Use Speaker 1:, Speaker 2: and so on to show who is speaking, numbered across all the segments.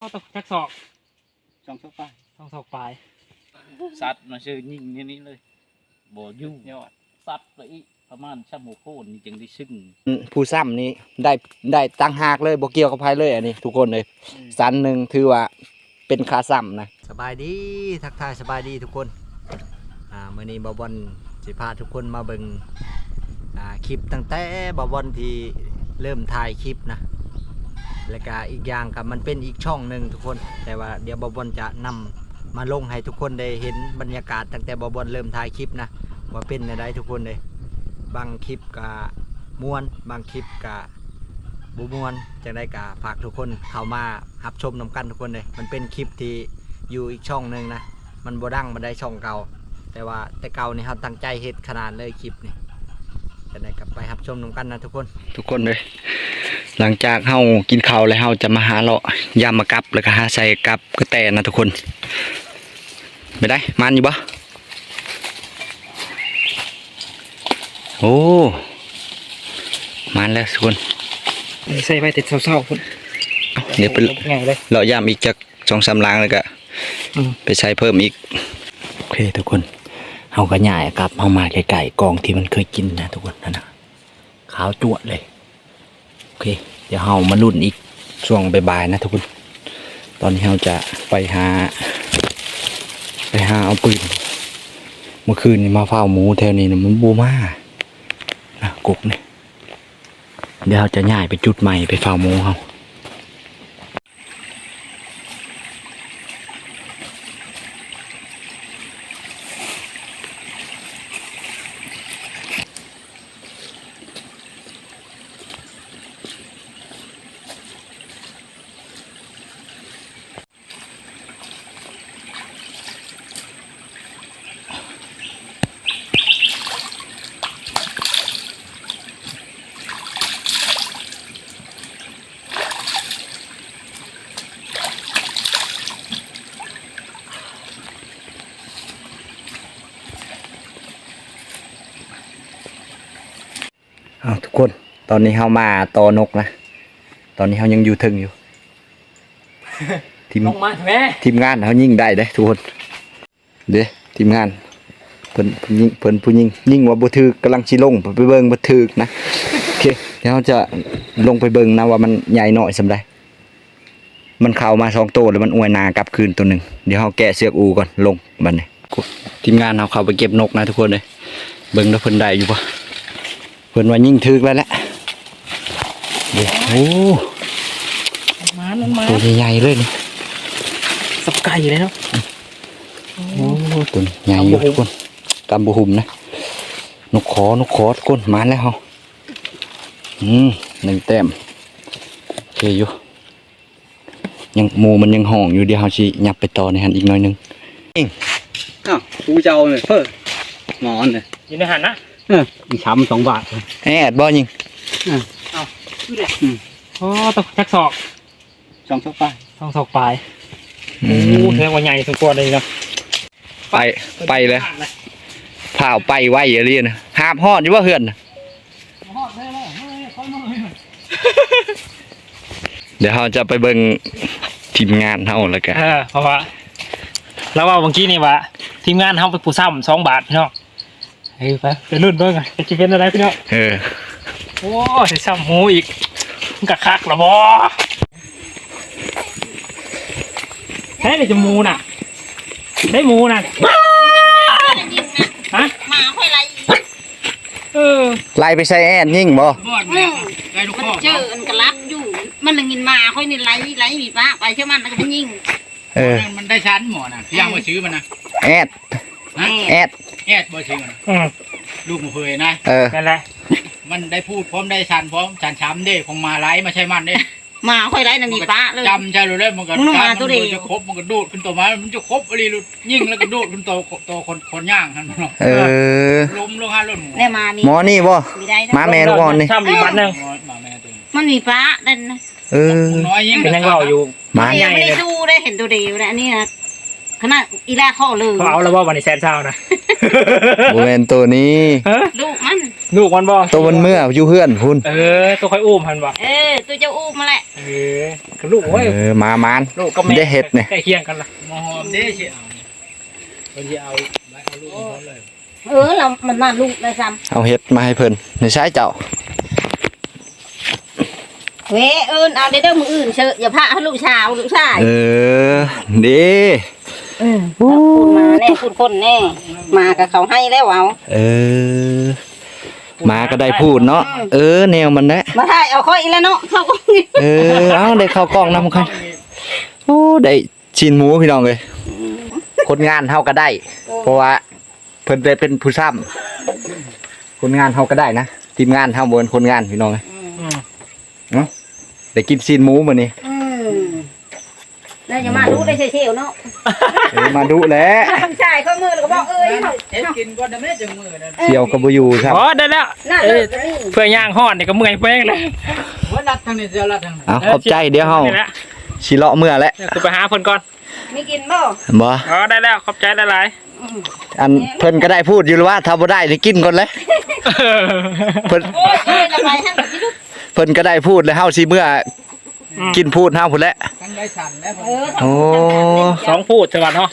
Speaker 1: ก็ตกจักศอก
Speaker 2: 2 ศอกไป
Speaker 1: 2 ศอกปลาย
Speaker 3: สัตว์มาชื่อยิงนี่เลยบ่ยุ่งยอดสัตว์ไปประมาณชั่วโมงโคนนี่จึงได้ซึ่ง
Speaker 2: ผู้ซ้ำนี้ได้ตั้งหากเลยบ่เกี่ยวกับไผเลยอันนี้ทุกคนเลยสันหนึ่งถือว่าเป็นค่าซ้ำนะสบายดีทักทายสบายดีทุกคนมื้อนี้บ่าวบอลสิพาทุกคนมาเบิ่งคลิปตั้งแต่บ่าวบอลที่เริ่มถ่ายคลิปนะแล้วก็อีกอย่างกับมันเป็นอีกช่องหนึ่งทุกคนแต่ว่าเดี๋ยวบ่าวบอลจะนำมาลงให้ทุกคนได้เห็นบรรยากาศตั้งแต่บ่าวบอลเริ่มถ่ายคลิปนะว่าเป็นอะไรทุกคนเลยบางคลิปกับม่วนบางคลิปกับบุม่วนจังได้กับฝากทุกคนเข้ามารับชมนำกันทุกคนเลยมันเป็นคลิปที่อยู่อีกช่องหนึ่งนะมันบ่ดังมันได้ช่องเก่าแต่ว่าแต่เก่านี่เขาตั้งใจเฮ็ดขนาดเลยคลิปนี่จังได้กับไปรับชมนำกันนะทุกคนเลยหลังจากเฮากินข้าวแล้วเฮาจะมาหาเลาะยามมากับแล้วก็หาใส่กับกระแตนะทุกคนไม่ได้มันอยู่บ่โอ้มันแล้วทุกคน
Speaker 1: ใส่ไปติดเศร้าๆคุณ
Speaker 2: เดี๋ยวไปเลาะยามอีกจาก2-3 ล้างแล้วก็ไปใช้เพิ่มอีกโอเคทุกคนเฮาก็ย่ายกลับเฮามาไกลๆกองที่มันเคยกินนะทุกคนนั่นน่ะขาวจั่วเลยโอเคเดี๋ยวเฮามาลุ้นอีกช่วงบ่ายๆนะทุกคนตอนนี้เฮาจะไปหาเอาปืนเมื่อคืนนี้มาเฝ้าหมูแถวนี้นะมันบูมากุกเนี่ยเดี๋ยวเราจะย้ายไปจุดใหม่ไปเฝ้าหมูเขาทุกคนตอนนี้เขามาตอนกนะตอนนี้เขายังอยู่ถึงอยู่ทีมงานเขายิงได้เด้ทุกคนเด้ทีมงานเพิ่นผู้ยิงว่าบ่ถึกกำลังสิลงไปเบิ่งบ่ถึกนะโอเคเดี๋ยวเราจะลงไปเบิ่งนะว่ามันใหญ่น้อยส่าใดมันเข้ามา2 ตัวแล้วมันอวยนากลับคืนตัวหนึ่งเดี๋ยวเราแกะเสือกอูก่อนลงบัดนี้ทีมงานเราเข้าไปเก็บนกนะทุกคนเลยเบิ่งแล้วเพิ่นได้อยู่ปะเพิ่นว่ายิ่งถึกแล้วแหละโอ้ตัวใหญ่ๆเลยนี่
Speaker 1: สับไก่เลยเนาะ
Speaker 2: โอ้ตัวใหญ่อยู่ทุกคนกำบุหุ่มนะนกขอทุกคนมาแล้วเฮา1 แต้มโอเคอยู่ยังหมูมันยังห่องอยู่เดี๋ยวเฮาสิยับไปต่อในหันอีกหน่อยนึง
Speaker 3: กูเจ้าเลยเพิ่นหมอนเลย
Speaker 1: อยู่ในหันนะ
Speaker 3: มีช้ำ2 บาท
Speaker 2: แอดบ่ยิง
Speaker 1: เอาดูดิอ๋อตกจักศอก
Speaker 3: 2 ศอกไป
Speaker 1: 2 ศอกปลายโอ้แสดงว่าใหญ่สมควรเลยเนาะ
Speaker 2: ไปเลยเผาไปไว้อย่างนี้นะหาบฮอดอยู่ว่าเฮือนเดี๋ยวเราจะไปเบิ่งทีมงานเฮาแล้วกัน
Speaker 1: เพราะว่าแล้วว่าเมื่อกี้นี่ว่าทีมงานเฮาไปปูซ้ำ2 บาทพี่น้องไปรุ่นเบิ่งอ่ะจะเป็นอะไรพี่น้องโอ้ใส่ซ้ำหมูอีกกะคักละบ่แค่ได้จะหมูน่ะได้หมูน่ะฮะ
Speaker 4: มาค่อยไล่
Speaker 2: ไล่ไปใส่แอนยิ่งบ่
Speaker 4: มันเจออันกระลับอยู่มันเลยกินมาค่อยนี่ไล่มีป้าไปเชื่อมันแล้วก็มันยิง
Speaker 3: มันได้ชั้นหมอนะย่างมาซื้อมันนะ
Speaker 2: แอด
Speaker 3: บ่ซื้อมันลูกมันเคยนะ
Speaker 1: นั่นแหละ
Speaker 3: มันได้พูดพร้อมได้ชันพร้อมชันช้ำเด้ของมาไล่มาใช่มันเด้
Speaker 4: มาค่อยไล่นั่นนี่ป้าเลย
Speaker 3: จำใช่เลยมันก็จะครบมันก็ดูดขึ้นตัวมันจะครบอะไรยิ่งแล้วก็ดูดขึ้นตัวคนย่างท่านล้มลง5 ล้ม
Speaker 2: หมอนี่บ่มาแม่ลูกอ่อนนี่
Speaker 4: มันมีป้าเด่นนะ
Speaker 3: น้อยยิ่ง
Speaker 1: เป็นยังเล่าอยู่
Speaker 4: มาใหญ่ไม่ได้ดูได้เห็นตัวเดียวนะอันนี้นะขนาดอีแรกข้อเลย
Speaker 1: เขาเอาแล้วว่าวันนี้แซนเช้านะ
Speaker 2: บ่แม่นตัวนี้
Speaker 4: ลูกมัน
Speaker 1: ลูกมันบ่
Speaker 2: ตัวมันเมื่ออยู่เฮือนพุ่น
Speaker 1: ตัวค่อยอุ้มหันบ่
Speaker 4: ตัวเจ้าอู้มาแหละ
Speaker 1: คือลูกเว้ย
Speaker 2: มามาน
Speaker 1: ลูกก็แม่
Speaker 2: ได้เฮ็ดนี่
Speaker 1: ใกล้เคียงกันล่ะ
Speaker 3: มาหอมเด้สิเอาคนที่เอาลูกเขาเลย
Speaker 4: เรามันมาลูกเลยซ้
Speaker 2: เอาเฮ็ดมาให้เพิ่นในใช้เจ้า
Speaker 4: ำเว้เอาเด้อมืออื่นเชอะอย่าพาให้ลูกชาย
Speaker 2: ดี
Speaker 4: พูดมาแน่พูดคนแน่มากับเขาให้แล้วเอา
Speaker 2: มาก็ได้พูดเนาะแนวมันแหละ
Speaker 4: มาถ่ายเอาค่อยอีแล้วเนาะเขาก็
Speaker 2: เอาได้เข้ากล้องนำกันโอ้ได้ชิ้นหมูพี่น้องเลยคนงานเฮาก็ได้ เพราะว่าเพิ่นได้เป็นผู้ซ้ำคนงานเฮาก็ได้นะทีมงานเฮาบ่เป็นคนงานพี่น้องเลยเนาะได้กินชิ้นหมูมื้อนี้
Speaker 4: น่าจะมาดูได้เชี่ยวเนาะ
Speaker 2: มาดูแหละ
Speaker 4: ทำชายข้อมือแล้วก็บอก
Speaker 3: เฮ็ดกินก่อนได้แม่จังมื้อนั้น
Speaker 2: เสี่ยวก็บ่อยู่ครับ
Speaker 1: ได้แล้ว
Speaker 4: น่า
Speaker 1: เพื่อย่างฮ้อนนี่ก็เมื่อยแป้งเลย
Speaker 3: ว่ารัดทางนี้เสียรัดทางนี้
Speaker 2: เอาขอบใจเดี๋ยวเฮาสิเลาะเมื่อแล้ว
Speaker 1: คือไปหาเพิ่นก่อน
Speaker 4: ไม่กินบ่
Speaker 2: บ่
Speaker 1: ได้แล้วขอบใจหลาย
Speaker 2: อันเพิ่นก็ได้พูดอยู่แล้วว่าถ้าบ่ได้นี่กินก่อนเลยเพิ่น
Speaker 4: โอ้ยละไปให้กับพี่ลูก
Speaker 2: เพิ่นก็ได้พูดแล้วเฮาสิเมื่อกินพูดเฮาพุ่นแหละ
Speaker 3: ทั้งได้สั่นแล้ว
Speaker 2: โอ้
Speaker 1: 2พูดจังหวัดเนาะ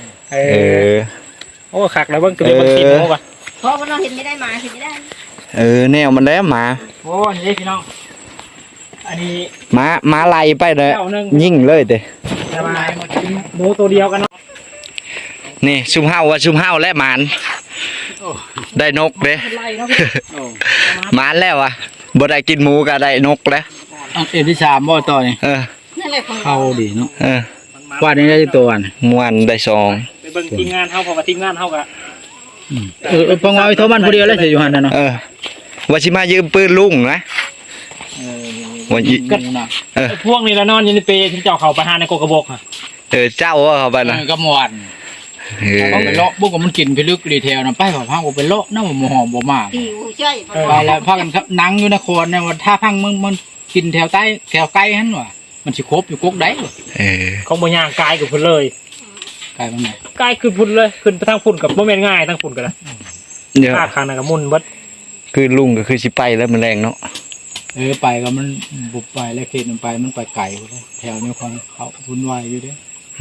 Speaker 1: โอ้คักแล้วเบิ่งตัวนี้มันกินโมก่อน
Speaker 4: เพราะว่าเราเห็นไม่ได้มาเห็นไม่ได้
Speaker 2: แนวมันแล้วหมา
Speaker 1: โอ้นี่พี่น้องอันนี้
Speaker 2: หมาไล่ไปเลยยิ่งเลยเด้
Speaker 1: จะมาหมูตัวเดียวกันเนาะ
Speaker 2: นี่ซุมเฮาว่าซุมเฮาและหมานได้นกเด้หมานแล้วอ่ะบ่ได้กินหมูก็ได้นกแล้ว
Speaker 3: เอ็ดที่3บ่ต่อนี่
Speaker 4: นั่นแหละของ
Speaker 3: เข้าดีเนาะ
Speaker 1: ว่า
Speaker 3: ว่านี่ได้ตัวอัน
Speaker 2: ม่วนได้สอง
Speaker 1: ไปเบิ่งทีมงานเฮาเพราะว่าทีมงานเฮาก็
Speaker 3: ปังเอาโทรมันผู้เดียวแล้วสิอยู่หั่นน่ะเนาะ
Speaker 2: ว่าสิมายืมปืนลุงนะว่าอี
Speaker 3: ก็นะ
Speaker 1: พวกนี้ละนอนอยู่ในเปรย์ที่เจ้าเขาไปหาในโกกระบอกฮะ
Speaker 2: เจ้าว่าเข้าไปนะ
Speaker 3: ก็ม่วนเอาไปเลาะบุกก็มันกินไปลึกดีเทลนำไปพาไปเลาะนำบ่หอมบ่มาก
Speaker 4: ผิวใช่
Speaker 3: ไปแล้วพากันนั่งอยู่นครเนี่ยว่าถ้าพังมันกินแถวใต้แถวไกลหั่นว่ะมันสิครบอยู่กกใด
Speaker 1: ของบ่ย่างกายกับพุ่นเลย
Speaker 3: ไกลตรงไหน
Speaker 1: กายคือพุ่นเลยขึ้นไปทางพุ่นกับบ่แม่นง่ายทางพุ่นกันนะ
Speaker 2: เดี๋ยว
Speaker 1: ภาคข้างนั้นก็มุนเบิด
Speaker 2: คือลุงก็คือสิไปแล้วมันแรงเนาะ
Speaker 3: ไปก็มันบุบไปแล้วเขตมันไปไกลเลยแถวนี้ของเขาวุ่นวายอยู่เด้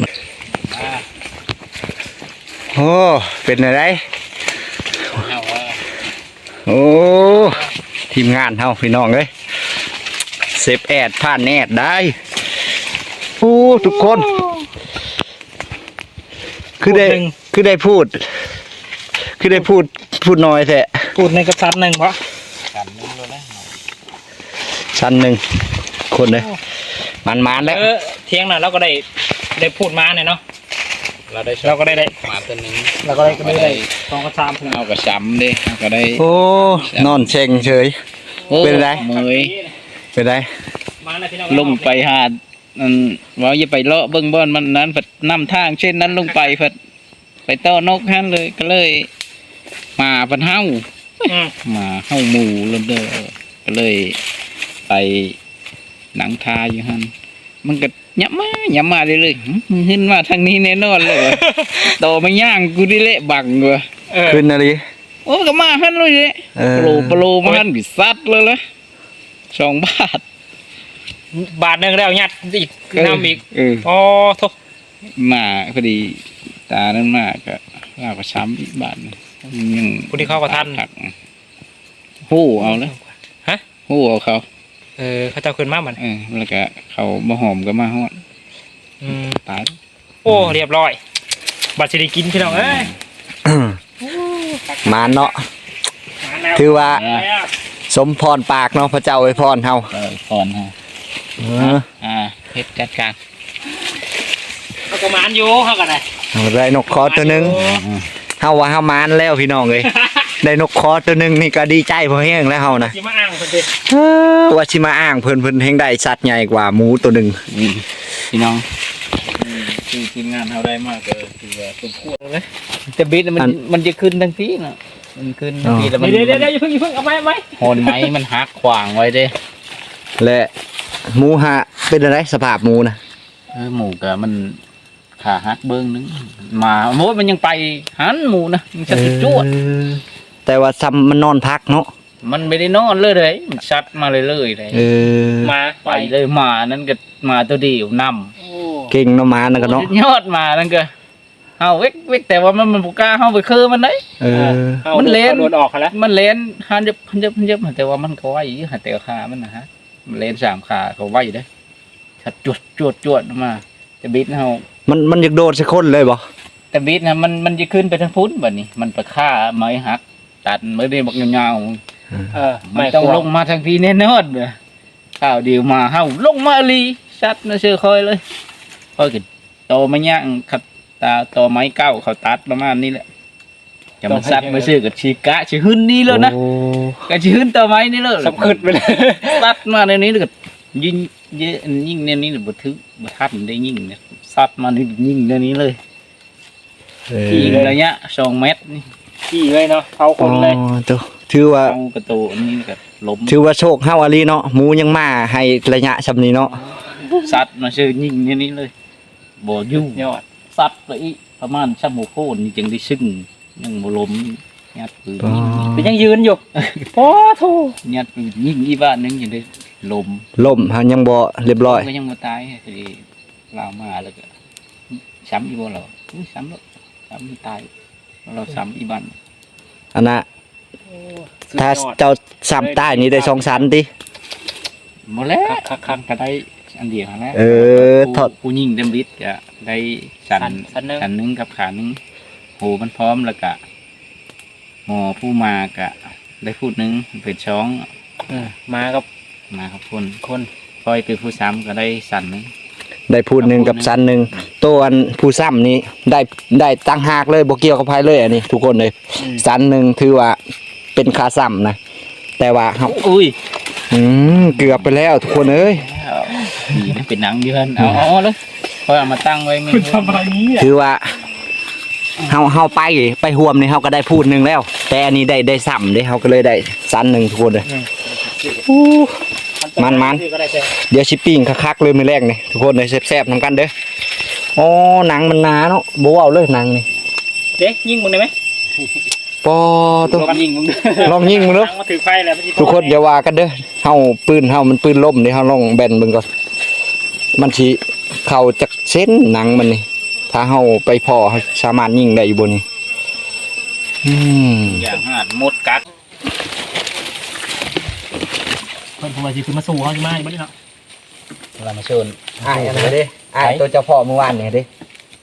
Speaker 2: โอ้เป็นอะไรโอ้ทีมงานเฮาพี่น้องเอ้ยเซฟแอดผ่านแอดได้โอ้ทุกคนคือได้พูดน้อยแท้
Speaker 1: พูดในกระสันหนึ่งปะ
Speaker 2: ชั้นหนึ่งคนเลยมันแล้ว
Speaker 1: เที่ยงน่ะเราก็ได้พูดมาเนี่ยเนาะเราก็ได้
Speaker 3: มาตัวนึง
Speaker 1: เราก็ได้สองกระซามเพิ่ง
Speaker 3: เอากระช้ำดิก็ได้
Speaker 2: โอ้นอนเชงเฉยเป็นไร
Speaker 3: เมย
Speaker 2: เป็นไร
Speaker 1: มาแล้วพี่น้อง
Speaker 3: ลงไปหาดว่าอย่าไปเลาะเบิ้งบ่อนมันนั้นผัดนำทางเช่นนั้นลงไปผัดไปต้อนกฮั่นเลยก็เลยมาผัดเฮ้ามาเฮ้าหมูลมเด้อก็เลยไปหนังทาอยู่ฮั่นมันก็ยับมาเรื่อยๆมึงขึ้นมาทางนี้แน่นอนเลยโตมาย่างกูดิเละบังเว้ย
Speaker 2: ขึ้นอะไร
Speaker 3: โอ้ก็มาฮั่นเลยเนี่ยโปรมาฮั่นกิซัดเลยละ2 บาท
Speaker 1: บาทหนึ่งแล้วยัดอีกน้ำอีกอ๋อทุก
Speaker 3: มาพอดีตานั้นมากก็ลากระช้ำอีกบาทยัง
Speaker 1: ผู้ที่เข้ากับท่าน
Speaker 3: หู้เอาแล้วหู้เอาเขา
Speaker 1: เขาเจ้าขึ้นมาเหมือน
Speaker 3: แล้วก็เขามาหอมก็มาฮอดตาย
Speaker 1: โอ้เรียบร้อยบัตรสิริกินพี่น้องเอ้ย
Speaker 2: มาเนาะถือว่าสมพรปากเนาะพระเจ้าไว้พรเฮา
Speaker 3: พรฮะเพชรจัดการ
Speaker 1: เขาก็มานอยู่เขาก็ได้
Speaker 2: ได้นกคอตัวหนึงเฮาว่าเฮามานแล้วพี่น้องเอ้ยได้นกคอตัวหนึงนี่ก็ดีใจพอแห้งแล้วเฮานะ
Speaker 1: สิมาอ้างเพิ่นสิ
Speaker 2: ว่าสิมาอ้างเพิ่นแห่งได้สัตว์ใหญ่กว่าหมูตัวหนึง
Speaker 3: พี่น้องคือทีมงานเขาได้มากก็คือว่าสมควรเลยแต่บิดมันจะขึ้นทั้งทีน่ะมันขึ้นทั้งทีแล้วมัน
Speaker 1: เดี๋ยวอย่าเพิ่งเอาไหม
Speaker 3: หอนไม้มันหักขวางไว้เด้
Speaker 2: และหมูหะเป็นอะไรสภาพหมูนะ
Speaker 3: หมูกะมันขาหักเบิ้งนึงมาโม้มันยังไปหันหมูนะมันชัดจวด
Speaker 2: แต่ว่าซ้ำมันนอนพักเนาะ
Speaker 3: มันไม่ได้นอนเลยมันชัดมาเลยเลย
Speaker 1: มา
Speaker 3: ไปเลยมานั่นก็มาตัวเดียวนำ
Speaker 2: เก่งเนาะมานั่นก็เนาะ
Speaker 3: ยอดมานั่นก็เอาเวกแต่ว่ามันบุกล้าเข้าไปคือมันได้ มันเล่น
Speaker 1: โดนออกแล้ว
Speaker 3: มันเล่นหันยับแต่ว่ามันก็ไหวหันแต่ขามันนะฮะมันเล่น3 ขาเขาไหวได้ชัดจวดมาแต่บิดเฮา
Speaker 2: มันอยากโดดสักคนเลยบ่
Speaker 3: แต่บิดนะมันจะขึ้นไปทางพุ้นแบบนี้มันไปฆ่าไม้หักตัดไม่ได้บอกยาวๆมันต้องลงมาทางพี่แน่นอนเลยข้าวเดียวมาเฮาลงมาลีชัดนะเชื่อคอยเลยคอยกันโตมาย่างขัดตาโตไม้เก้าเขาตัดประมาณนี้แหละจะมาซัดมาซื้อกับชีกะชีหึ้นนี่แล้วนะกับชีหึ้นต่อไม้นี่เลย
Speaker 1: สับขึ้นไปเลย
Speaker 3: ซัดมาในนี้แล้วก็ยิงยิงในนี้บ่ถึงบ่ทันได้ยิงเนี่ยซัดมานี่ยิงในนี้เลยยิงระยะ2 เมตรนี่
Speaker 1: ขี่เลยเนาะเผาคนเลย
Speaker 2: ตัวถือว่า
Speaker 3: เอาประตูนี่ก็ล้ม
Speaker 2: ถือว่าโชคเฮาอะลีเนาะหมูยังมาให้ระยะซำนี้เนาะ
Speaker 3: ซัดมาซื้อยิงในนี้เลยบ่อยู่
Speaker 1: ยอด
Speaker 3: ซัดไปอีกประมาณชั่วโมงโคนนี่จึงได้ซึ่งยังบ่ล้มยัดปืน
Speaker 1: เป็นยังยืนอยู่โอ้โธ่
Speaker 3: ยัดปืนยิงอีบ้านนึงยังได้ล้ม
Speaker 2: ล่มหายังบ่เรียบร้อย
Speaker 3: ก็ยังบ่ตายสิลาวมาแล้วก็ซ้ำอีบ่เหรอซ้ำแล้วซ้ำตายเราซ้ำอีบ้าน
Speaker 2: อันน่ะถ้าเจ้าซ้ำใต้นี่ได้2ชั้นติ
Speaker 3: หมดแล้วคักก็ได้อันเดียวแล้ว
Speaker 2: ถอด
Speaker 3: ผู้ยิงเต็มฤทธิ์ก็ได้สันนึงกับขานึงโหมันพร้อมแล้วก็หมอผู้มาก็ได้พูดนึงเป็นช้อง
Speaker 1: มากับ
Speaker 3: มาครับคนคอยเป็นผู้ซ้ำก็ได้สันนึง
Speaker 2: ได้พูดหนึ่งกับชั้นหนึ่งตัวอันผู้ซ้ำนี้ได้ตั้งหากเลยบ่เกี่ยวกับไผเลยอันนี้ทุกคนเลยชั้นหนึ่งถือว่าเป็นค่าซ้ำนะแต่ว่าเฮา
Speaker 3: อุ้ย
Speaker 2: เกือบไปแล้วทุกคนเอ้ย
Speaker 3: นี่เป็นหนังเยือนเอาเลยคอยเอามาตั้งไว้ไม่
Speaker 1: คุณทำอะไรนี้อ่ะ
Speaker 2: ถือว่าเฮาไปห่วมนี่เฮาก็ได้พูดหนึ่งแล้ว แต่อันนี้ได้ซ้ำเด้เฮาก็เลยได้ชั้นหนึ่งทุกคนเลยมันเดี๋ยวชิปปิ้งคักๆเลยมื้อแรกนี่ทุกคนเลยแซ่บๆนำกันเด้ออ๋อหนังมันหนาเนาะบ่เอาเลยหนังนี่
Speaker 1: เด็กยิงมึงได้ไหม
Speaker 2: ปอตัว
Speaker 3: ลองยิงมึง
Speaker 2: ลองยิงมึงเนาะ
Speaker 1: มาถือไฟแล้ว
Speaker 2: ทุกคนอย่าว่ากันเด้อเฮาปืนเฮามันปืนล่มนี่เฮาลองแบนเบิ่งก่อนมันสิเข้าจักเส้นหนังมันนี่ถ้าเฮาไปพอเฮาสามารถยิงได้อยู่บ่นี่
Speaker 3: อย่างหาดมดกัด
Speaker 1: เพิ่นผมว่าสิขึ้นมาสู่เฮาสิมาอยู่บ่นี่เนาะ
Speaker 3: เรามาเชิญ
Speaker 2: อ้ายอันนั้นเด้อ้ายตัวเจ้าพ่อเมื่อวานนี่เด้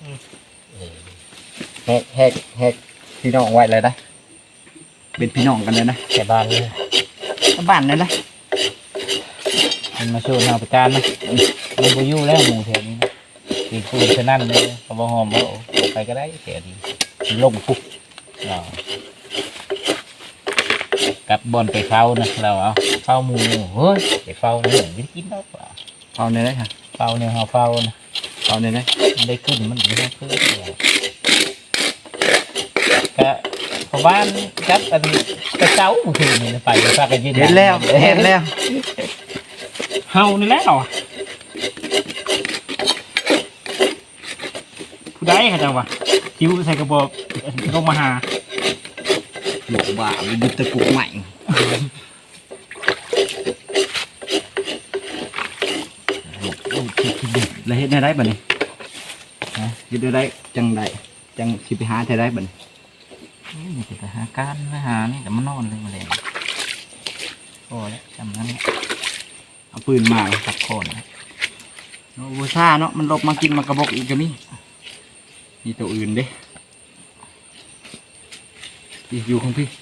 Speaker 2: แฮกพี่น้องไว้เลยนะเป็นพี่น้องกันเลยนะ
Speaker 3: แต่บ้านเลย
Speaker 2: บ้านเลยนะ
Speaker 3: มันมาเชิญเอาไปการนะมันไปยู่แล้วหมู่แถวนี้นะตีคูนฉะนั้นเลยเอาบะหอมเอาไปก็ได้แถวนี้ลงปุ๊บเรากับบอลไปเฝ้านะเราเอาเฝ้าหมูเฮ้ยไปเฝ้าเนี่ยไม่ได้กินแล้วเปล่า
Speaker 2: เอาในได้ค่ะ
Speaker 3: เฝ้าเนี่ยเราเฝ้านะ
Speaker 2: เอาในได้
Speaker 3: มันได้ขึ้นมันไม่ได้ขึ้นก็เพราะบ้านจับอันกระเจ้าคืนนี่ไปฝากกันยืน
Speaker 2: เห็นแล้ว
Speaker 1: เฮานี่แล้วผู้ใดเขาจังวะคิวใส่กระบอกลงมาหา
Speaker 2: หลอกบ่ามันดึกตะกุกใหม่แล้วเฮ็ดได้บัดนี้ฮะเฮ็ดได้จังไดจังสิไปหาได้บัดนี้
Speaker 3: นี่ไปหาการไปหานี่แต่มันนอนเลยมาเลยโอ้ยจำนั้น
Speaker 2: เอาปืนมา
Speaker 3: ตัดโคนนะ
Speaker 2: โอ้โหซ่าเนาะมันลบมากินมากระบอกอีกก็มีตัวอื่นเด้อยู่ข้างพี่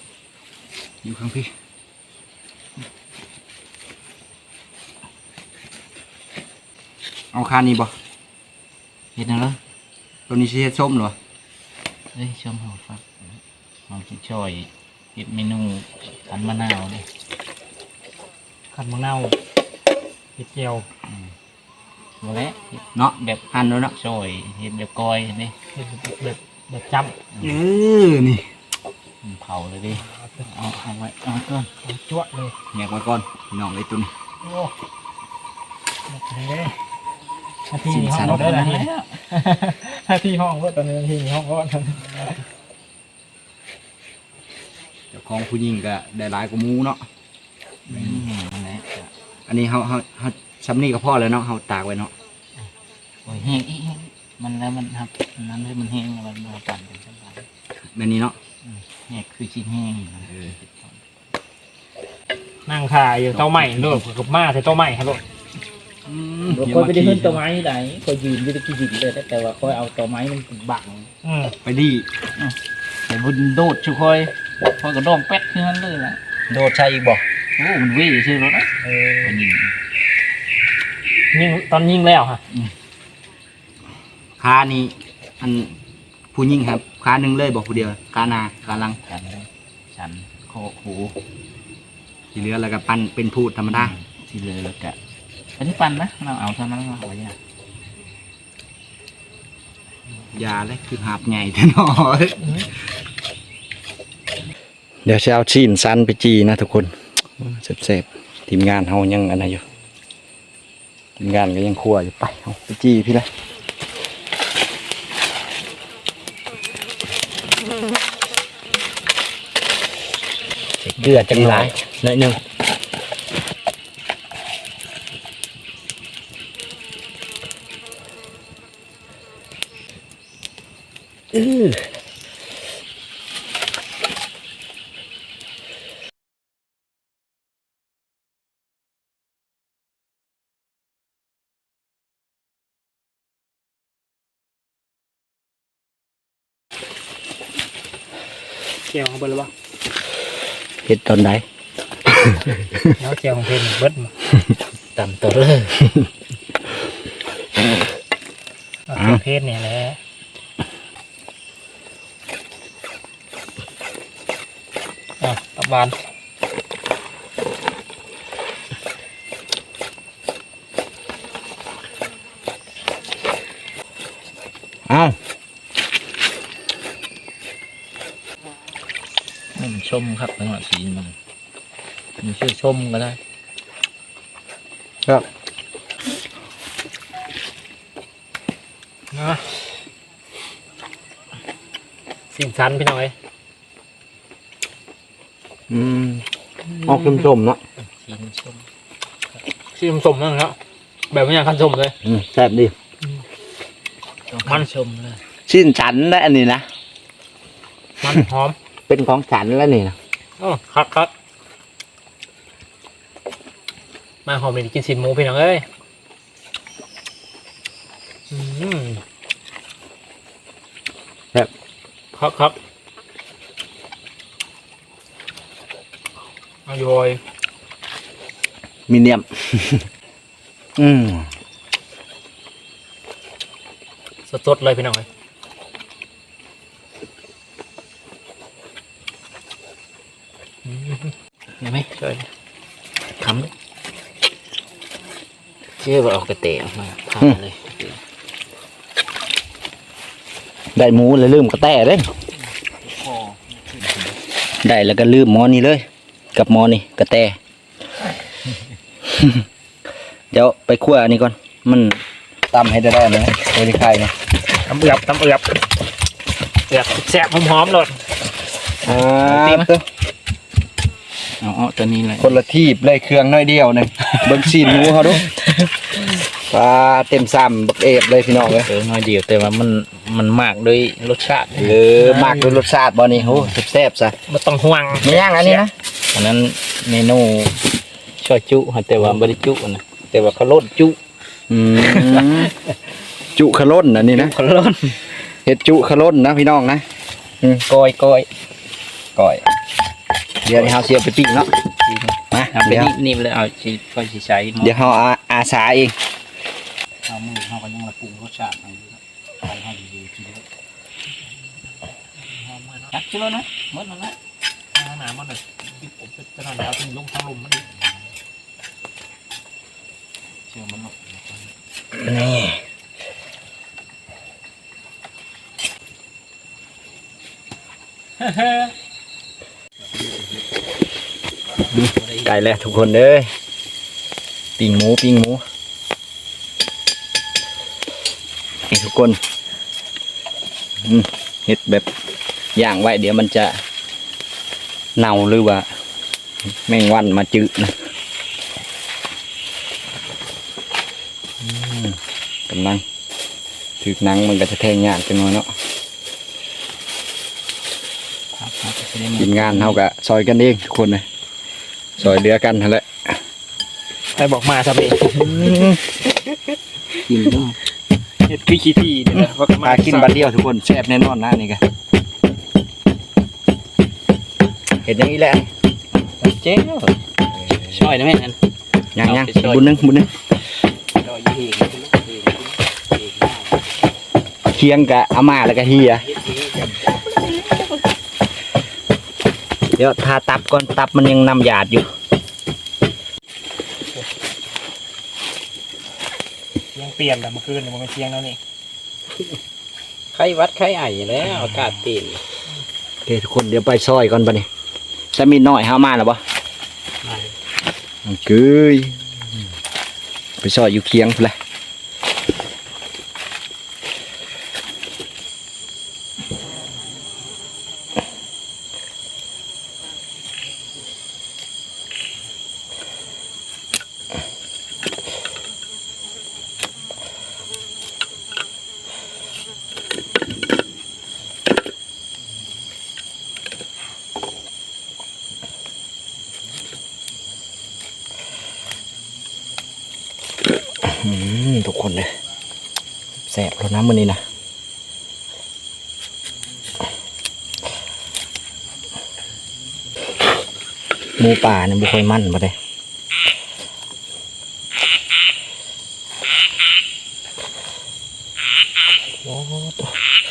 Speaker 2: เอาคานี่บ่
Speaker 3: เห็นแล้ว
Speaker 2: ตัวนี้สิเฮ็ดส้มเหรอ
Speaker 3: เฮ้ยชมหอฟักหอมชิช่อยเห็ดเมนูขันมะนาวนี่
Speaker 1: ขันมะนาวเห็ดเจียว
Speaker 3: หมดแล้ว
Speaker 2: เนาะแบบหั่นแล้วเนาะ
Speaker 3: ช่อยเห็ดแบบกอยนี่
Speaker 1: เห็ดแบบจ
Speaker 2: นี่
Speaker 3: เผาเลยดิเอาไว้เอาก่อน
Speaker 1: ำจั่วเลย
Speaker 2: แยกไว้ก่อนพี่น้องไอ้ตัวนี้
Speaker 1: โอ้นาทีนี้ห้องเราได้นาทีหน้าที่ห้องก็ตอนนี้หน้าที่ห้องก็
Speaker 2: เจ้าของผู้หญิงก็ได้หลายกว่าหมูเนาะอันนี้เขาซ้ำนี่ก็พอแล้วเนาะเขาตากไว้เนาะ
Speaker 3: โอ้ยแห้งอีกมันแล้วมันครับนั้นเลยมันแห้งมันมาปั่นเป็นชั้น
Speaker 2: แบบนี้เนาะ
Speaker 3: แห้งคือชิ้นแห้ง
Speaker 1: นั่งขายอยู่เต้าใหม่ด้วยกับมาใส่เต้าใหม่ครับลูก
Speaker 3: คอยไปได้ขึ้นตัวไม้ไหนคอยยืนอยู่ตะกี้ยืนเลยแต่ว่าคอยเอาตัวไม้มันบัง
Speaker 2: ไปดี
Speaker 3: แต่บุญโดดช่วยคอยกระดองแป๊ดขึ้นนั้นเลยล่ะ
Speaker 2: โดดใช่อีกบ่
Speaker 3: โอ้มันวิ่งชื่อรถนะยิง
Speaker 1: ยิงตอนยิงแล้วค่ะ
Speaker 2: ขานี่อันผู้หญิงครับขาหนึ่งเลยบอกผู้เดียวขาหนาขาหลัง
Speaker 3: ฉันโคหู
Speaker 2: ที่เหลือแล้วก็ปั้นเป็นพูดธรรมดา
Speaker 3: ที่เลยแล้วก็อันนี้ปั่นนะเราเอาเท่านั้นเราเอาอย่าง
Speaker 2: ยาเลยคือหาบใหญ่แท้หนอเดี๋ยวจะเอาชิ้นสั้นไปจีนะทุกคนเสพทีมงานเขายังอะไรอยู่ทีมงานก็ยังคั่วอยู่ไปเอาไปจีพี่ละเดือดจังไรหน่อยหนึ่ง
Speaker 1: เจียวของเบิร์ดหรือเปล่า
Speaker 2: เห็ดตอนไหน
Speaker 1: แล้วเจียวของเพนเบิร์ดมา
Speaker 3: ต่ำตัวเลย
Speaker 1: เพศเนี่ยแหละตับบาน
Speaker 2: เอา
Speaker 3: มันชมครับจังหวะสีมันชื่อชมก็ได้
Speaker 2: ครับ
Speaker 1: นะสิ่งชั้นพี่น้อย
Speaker 2: ออกชมๆเนาะ
Speaker 3: สีชม
Speaker 1: สิ่งสมนั่นครับแบบไม่อยากคันสมเลย
Speaker 2: แซ่บดี
Speaker 3: มันชมเลย
Speaker 2: ชิ้นฉันได้อันนี้นะ
Speaker 1: มันหอม
Speaker 2: เป็นของฉันแล้วนี่นะ
Speaker 1: ครับมาหอมเลยกินสินหมูพี่น้องเอ้ยครับเอาโยย
Speaker 2: มีเนียม
Speaker 1: สดๆเลยพี่น้องเอ้ย
Speaker 3: เห็นไหม
Speaker 1: ใช่
Speaker 3: คำเลยเชื่อว่าออกกระเตะออกมาทำเลย
Speaker 2: ได้หมูเลยลืมกระแตเลยได้แล้วก็ลืมหมอนี่เลย กับหมอนี่กระแต เดี๋ยวไปคั่วอันนี้ก่อนมันตำให้ได้ไหมโอ้ยไข่เนี่ย
Speaker 1: ตำเอือบแซ่บหอมๆเลย
Speaker 3: เอาตัวนี้เลย
Speaker 2: คนละทีบเลยเครื่องน้อยเดียวหนึ่งเบิ้งซีนหมูเขาดูปลาเต็มซ้ำบักเอฟเลยพี่น้องเลย
Speaker 3: น้อยเดียวแต่ว่ามันมากด้วยรสชาติ
Speaker 2: มากด้วยรสชาติบ่นี่โหแซ่บๆซะ
Speaker 1: ไม่ต้องห่วง
Speaker 2: ไม่ย่างอันนี้นะ
Speaker 3: อันนั้นเมนูช่อจุแต่ว่าบริจุนะแต่ว่าเขาลดจุ
Speaker 2: จุขล้นอันนี้นะ
Speaker 3: เขาลด
Speaker 2: เห็ดจุขล้นนะพี่น้องนะก้อยเดี๋ยวเราเสียบไปปิ้งเนาะมา
Speaker 3: เอาไป
Speaker 2: เดี๋ยว
Speaker 3: นิ่มๆเลยเอาชีก็ชีใช้
Speaker 2: เดี๋ยวเราอาสาเอง
Speaker 3: เอามือเขาก็ยังระปรุงรสชาติเอาอยู่แล้วเอาให้ดีๆกินเลยจักชิโลนะหมดแล้วนะ
Speaker 1: หนามันเลยผมจะนอนแล้วถึงลงทางลมมันดิ
Speaker 3: เชื่อมันหรอก
Speaker 2: นี่ไก่แล้วทุกคนเด้ยปิ้งหมูนี่ทุกคนเฮ็ดแบบย่างไว้เดี๋ยวมันจะเน่าหรือว่าแมงวันมาจืดนะกำลังถือหนังมันก็จะแทงยากจังเลยเนาะทีมงานเขาก็ซอยกันเองทุกคนเลยซอยเดือกันนั่นแหละ
Speaker 1: ใครบอกมาครับเอง
Speaker 2: กิน
Speaker 1: เฮ็ดคือขี้ที่นี่แหละว่า
Speaker 2: มากินบัดเดียวทุกคนแซ่บแน่นอนนะนี่กันเห็นอย่างนี้แหละเจ๊ง
Speaker 3: ช่วยนะแม่นั่น
Speaker 2: ยังบุญนึงเคียงกับอาม่าแล้วก็เฮียเดี๋ยวทาตับก่อนตับมันยังนำหยาดอยู่
Speaker 1: เสียงเปลี่ยนแต่เมื่อคืนมันเป็นเสียงแล้วนี่
Speaker 3: ไข้วัดไข้ไอแล้วอากาศเปลี่ยน
Speaker 2: โอเคทุกคนเดี๋ยวไปซอยก่อนปะนี่จะมีน้อยห้ามาหรอปะเกยไปซอยอยู่เคียงเลยทุกคนเลยแสบแล้วนะมื้อนี้นะหมูป่าเนี่ยบุค่อยมั่นมาเลยโอ้ตัว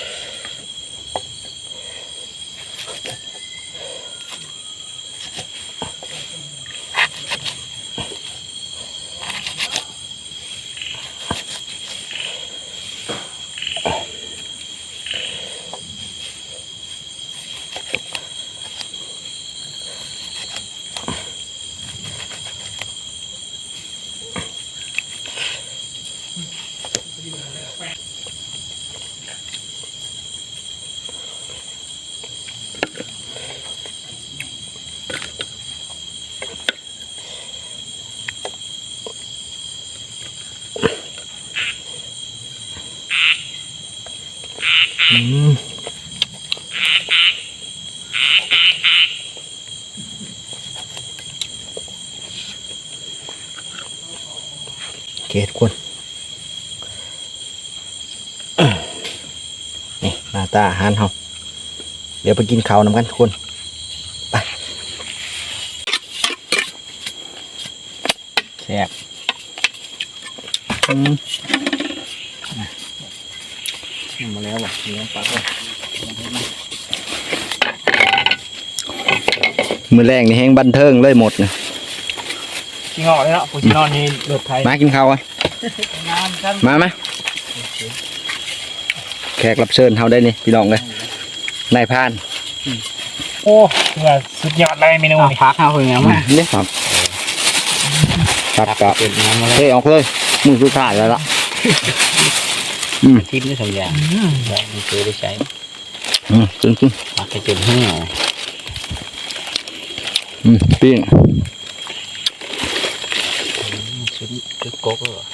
Speaker 2: โอเคทุกคนนี่หน้าตาอาหารเราเดี๋ยวไปกินข้าวนำกันทุกคนไปแซ่บมาแล้วว่ะเนื้อปลามือแรงนี่แห้งบันเทิงเลยหมดนะ
Speaker 1: ขี้งอเลยเนาะผู้ที่นอนนี่รถไทย
Speaker 2: มากินข้าวกันมาแขกรับเชิญเขาได้นี่พี่น้องเลยนายพาน
Speaker 1: โอ้เหงื่อสุดยอดเลยเมนูนี่
Speaker 3: พักเอาคนยังมา
Speaker 2: เนี่ยครับกับเฮ้ยออกเลยมือสุดท้ายแล้วล่ะ
Speaker 3: ทิพย์นี่สองอย่างได้ไม่เคยได้ใช้
Speaker 2: จริง
Speaker 3: พักให้จนเหี่ยว
Speaker 2: ปิ้ง
Speaker 3: ชุดโก๊กเหรอ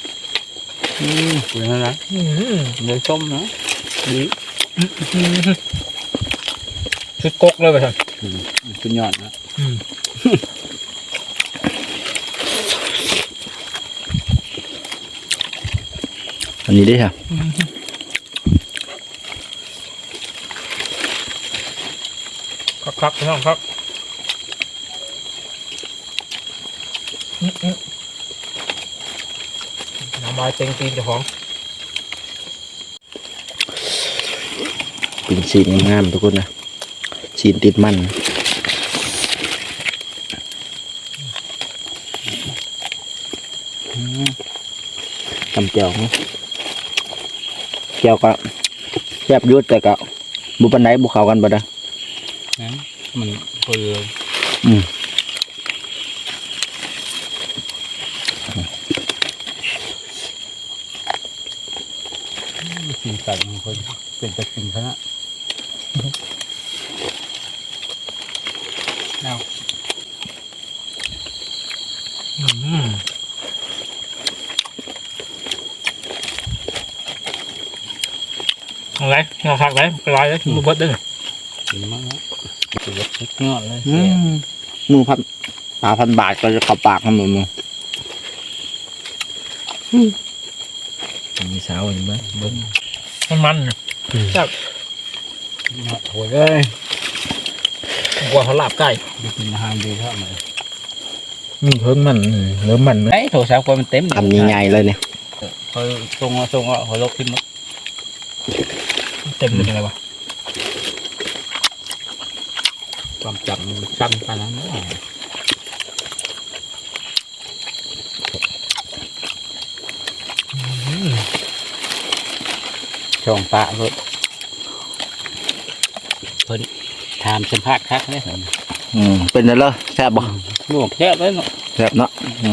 Speaker 3: คุณอะไรเนื้อส้มนะดี
Speaker 1: ชุดกกเลยไปครับ
Speaker 3: สุดยอดนะ
Speaker 2: อันนี้ดิค่ะ
Speaker 1: ครับพี่น้องครับน้ำลายเต็งตีนเจ้าของ
Speaker 2: เป็นสีงามๆทุกคนนะสีติดมันตำเจียวนะเจียวก็แซ่บยุดแต่ก็บุปันไดบุเขากันบ่ได้
Speaker 3: นั้นมันเปื่อย
Speaker 2: ก
Speaker 3: กินไก่บางคนเป็นจะกินเขานะ
Speaker 1: อะไรเราผักไหนกระไรเลยมือเบิดเด้อ
Speaker 3: กินมากนะตัวเล็กงอดเลย
Speaker 2: มือ1,000 บาทก็จะเข้าปากมันมึงมีสาวอยู่ไหมเบิ้ง
Speaker 1: มันจับ
Speaker 3: โอ้ยเลย
Speaker 1: กว่าเขาลาบไก่
Speaker 3: กินอาหารดีเท่าไหร่
Speaker 1: มีเพิ่งมันเริ่มมัน
Speaker 3: ไอ้โถสาวคนมันเต็ม
Speaker 2: ทำใหญ่ๆเลยเนี่ย
Speaker 3: เขาทรงเขาลบขึ้นมา
Speaker 1: เต็มเลยเป็นไงวะ
Speaker 3: ความจำมันสั้นไปแล้วนะช่องปะเลยเพิ่นทำสัมภาษณ์คักเลย
Speaker 2: เป็นไงเลยแซ่บบ่
Speaker 3: ลวกแค่เลยเนาะ
Speaker 2: แซ่บเนาะ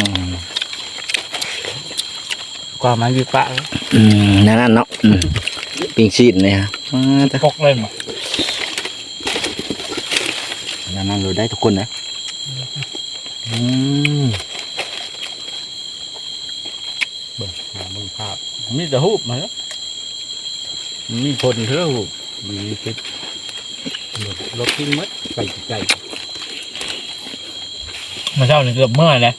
Speaker 3: ความมันวิปะเลย
Speaker 2: นั่นเนาะปิ้งชีสเนี่ยฮะ
Speaker 1: ปกเลยมั้ง
Speaker 2: นั่นเราได้ทุกคนนะ
Speaker 3: เบิ่งภาพมีแต่หูบมาแล้วมีผลเท่าหูบมีติดรถทิ้งมัดไก่
Speaker 1: มาเช้านี่เกือบเมื่อยเลย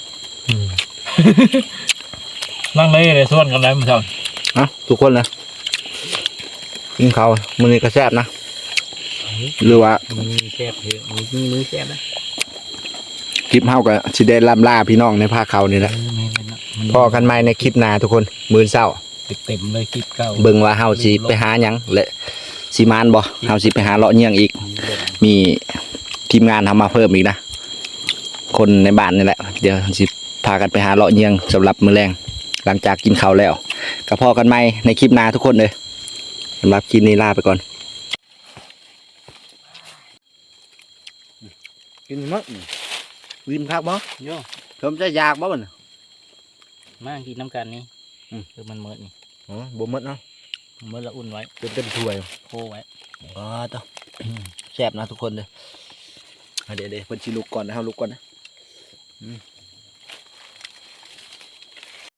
Speaker 1: นั่งเลยส่วนกันเลยมาเช้า
Speaker 2: ทุกคนนะกินข้าวมื้อนี้ก็แซ่บนะหรือว่า
Speaker 3: มีแซ่บเยอะมีมือแซ่บนะ
Speaker 2: คลิปเฮาก็สิได้ล่ำลาพี่น้องในภาคเขานี่แหละพอกันใหม่ในคลิปหน้าทุกคนมื้อเช้า
Speaker 3: เต็มเลยคลิปเก่า
Speaker 2: เบิ่งว่าเฮาสิไปหาหยังและสิมานบ่เฮาสิไปหาเลาะเยี่ยงอีก มีทีมงานทำมาเพิ่มอีกนะคนในบ้านนี่แหละเดี๋ยวสิพากันไปหาเลาะเยี่ยงสำหรับมื้อแรงหลังจากกินข้าวแล้วก็พอกันใหม่ในคลิปหน้าทุกคนเลยสำหรับคลิปนี้ลาไปก่อนกินมั้งวินคักบ่
Speaker 3: โย่
Speaker 2: ผมจะอยากบ่มัน
Speaker 3: มากินน้ำกันนี่คือมันเมิดนี่
Speaker 2: อ๋อบ่หมดเนาะ
Speaker 3: เมิดละอุ่นไว้
Speaker 2: เต็มถ้วย
Speaker 3: โคไว้
Speaker 2: อ๋อต่อแซ่บนะทุกคนเลยเดี๋ยวเพิ่นสิลุกก่อนนะเฮาลุกก่อนนะ